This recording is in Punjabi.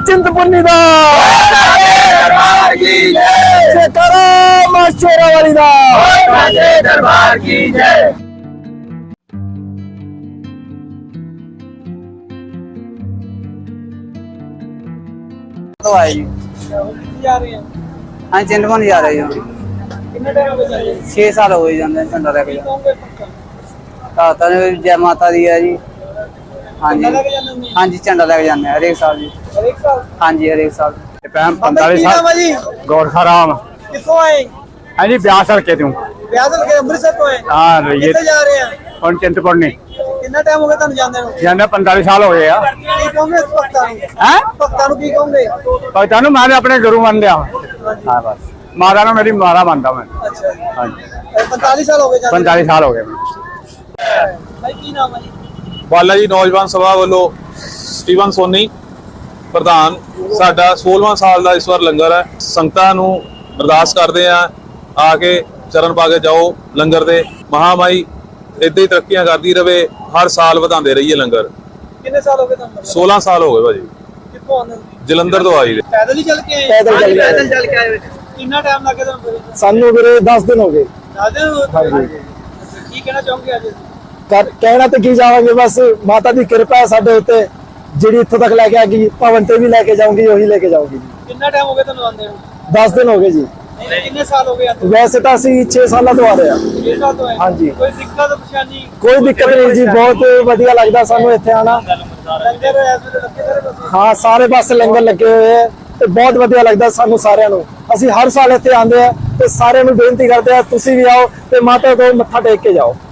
चिंतपूर्णी दा जयकारा मां शेरावाली दा दरबार की जय। तो आए जी जा रहे हैं हाँ चिंतपूर्णी जा रहे जी कितने टाइम हो गए 6 साल हो गए जाते झंडा लेके कहोगे ताता ने जय माता दी है जी। हाँ जी लगे जाने में हाँ जी झंडा लेके जाते हैं हर एक साल जी। और एक साल हाँ जी हर एक साल। 45 साल जी गोरखा राम किसको आए हाँ जी ब्याह सड़के तू ब्यादल के अमृतसर को आए हाँ ये कितने जा रहे हैं और चिंतपूर्णी कितना टाइम हो गया ਤੁਹਾਨੂੰ ਜਾਂਦੇ ਨੂੰ जाने 45 साल हो गए यार ਕੀ ਕਹੋਗੇ ਭਗਤਾਂ ਨੂੰ हैं ਭਗਤਾਂ ਨੂੰ ਕੀ ਕਹੋਗੇ पता नहीं मैंने अपने गुरु मान लिया हाँ बस मारा ना मेरी मारा मानता मैं ਅੱਛਾ हाँ जी 45 साल हो गए ਜਾਂਦੇ 45 साल हो गए ਭਾਈ ਕੀ ਨਾਮ ਹੈ ਜੀ ਬਾਲਾ ਜੀ ਨੌਜਵਾਨ ਸਭਾ ਵੱਲੋਂ ਸਟੀਵਨ ਸੋਨੀ ਪ੍ਰਧਾਨ ਸਾਡਾ 16ਵਾਂ ਸਾਲ ਦਾ ਇਸ ਵਾਰ ਲੰਗਰ ਹੈ। ਸੰਗਤਾਂ ਨੂੰ ਅਰਦਾਸ ਕਰਦੇ ਆ ਕੇ ਚਰਨ ਪਾ ਕੇ ਜਾਓ ਲੰਗਰ ਦੇ। ਮਹਾਮਾਈ ਇਦਾਂ ਹੀ ਤਰੱਕੀਆਂ ਕਰਦੀ ਰਵੇ, ਹਰ ਸਾਲ ਵਧਾਉਂਦੇ ਰਹੀਏ ਲੰਗਰ। ਕਿੰਨੇ ਸਾਲ ਹੋ ਗਏ ਤੁਹਾਨੂੰ 16 ਸਾਲ ਹੋ ਗਏ ਭਾਜੀ। ਕਿੱਥੋਂ ਆਉਂਦੇ ਹੋ ਜਲੰਧਰ ਤੋਂ ਆਈ ਦੇ। ਪੈਦਲ ਹੀ ਚੱਲ ਕੇ ਆਏ पैदल चल के आए। ਪੈਦਲ ਚੱਲ ਕੇ ਆਏ ਕਿੰਨਾ ਟਾਈਮ ਲੱਗੇ ਤੁਹਾਨੂੰ सानू ਵੀਰੇ 10 दिन हो गए। ਦਾਦੇ ਹਾਂਜੀ। ਕੀ ਕਹਿਣਾ ਚਾਹੋਗੇ ਅੱਜ ਕਹਿਣਾ ਤੇ ਕੀ ਜਾਵਾਂਗੇ, ਬਸ ਮਾਤਾ ਦੀ ਕਿਰਪਾ ਹੈ ਸਾਡੇ ਉੱਤੇ, ਜਿਹੜੀ ਇੱਥੋਂ ਤੱਕ ਲੈ ਕੇ ਆ ਗਈ ਭਵਨ ਤੇ ਵੀ ਲੈ ਕੇ ਜਾਊਂਗੀ, ਉਹੀ ਲੈ ਕੇ ਜਾਊਂਗੀ ਜੀ। ਕਿੰਨਾ ਟਾਈਮ ਹੋ ਗਿਆ ਤੁਹਾਨੂੰ ਆਉਂਦੇ ਨੂੰ 10 दिन हो गए जी। ਕਿੰਨੇ ਸਾਲ ਹੋ ਗਏ ਆਉਂਦੇ ਵੈਸੇ ਤਾਂ ਅਸੀਂ 6 ਸਾਲਾਂ ਤੋਂ ਆ ਰਹੇ ਹਾਂ। 6 ਸਾਲ ਤੋਂ ਆਏ ਹਾਂਜੀ। ਕੋਈ ਦਿੱਕਤ ਪਰੇਸ਼ਾਨੀ ਕੋਈ ਦਿੱਕਤ ਨਹੀਂ ਜੀ, ਬਹੁਤ ਵਧੀਆ ਲੱਗਦਾ ਸਾਨੂੰ ਇੱਥੇ ਆਣਾ। ਲੰਗਰ ਐਸ ਵੇਲੇ ਲੱਗੇ ਸਾਰੇ ਪਾਸੇ ਹਾਂ ਸਾਰੇ ਪਾਸੇ ਲੰਗਰ ਲੱਗੇ ਹੋਏ ਹੈ ਤੇ ਬਹੁਤ ਵਧੀਆ ਲੱਗਦਾ ਸਾਨੂੰ ਸਾਰਿਆਂ ਨੂੰ। ਅਸੀਂ ਹਰ ਸਾਲ ਇੱਥੇ ਆਉਂਦੇ ਆ ਤੇ ਸਾਰਿਆਂ ਨੂੰ ਬੇਨਤੀ ਕਰਦੇ ਆ ਤੁਸੀਂ ਵੀ ਆਓ ਤੇ ਮਾਤਾ ਕੋਲ ਮੱਥਾ ਟੇਕ ਕੇ ਜਾਓ।